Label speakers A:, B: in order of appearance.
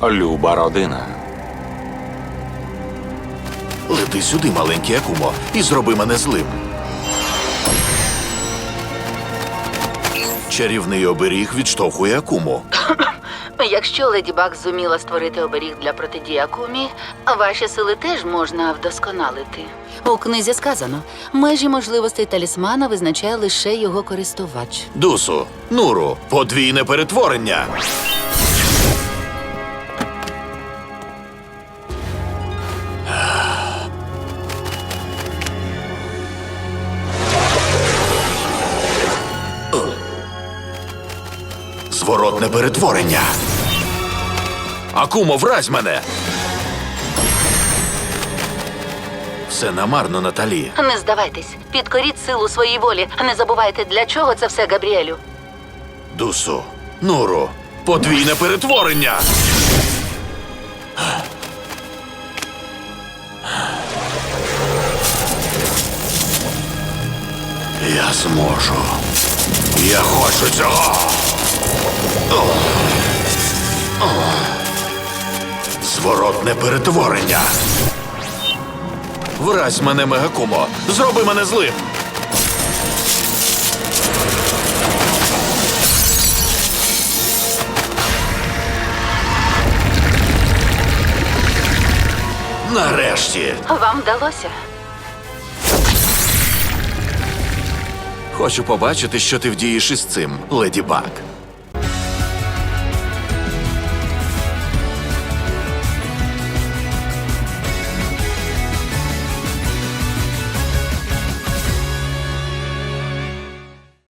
A: Люба родина.
B: Лети сюди, маленький Акумо, і зроби мене злим. Чарівний оберіг відштовхує Акуму.
C: Якщо Леді Баг зуміла створити оберіг для протидії Акумі, ваші сили теж можна вдосконалити. У книзі сказано, межі можливостей талісмана визначає лише його користувач.
B: Дусу, Нуру, подвійне перетворення. Зворотне перетворення. Акумо, вразь мене! Все намарно, Наталі.
C: Не здавайтесь, підкоріть силу своїй волі. Не забувайте, для чого це все, Габріелю.
B: Дусу, Нуру, подвійне перетворення. Я зможу. Я хочу цього. Зворотне перетворення. Вразь мене, Мегакумо. Зроби мене злим. Нарешті.
C: Вам вдалося?
B: Хочу побачити, що ти вдієш із цим, Леді Баг.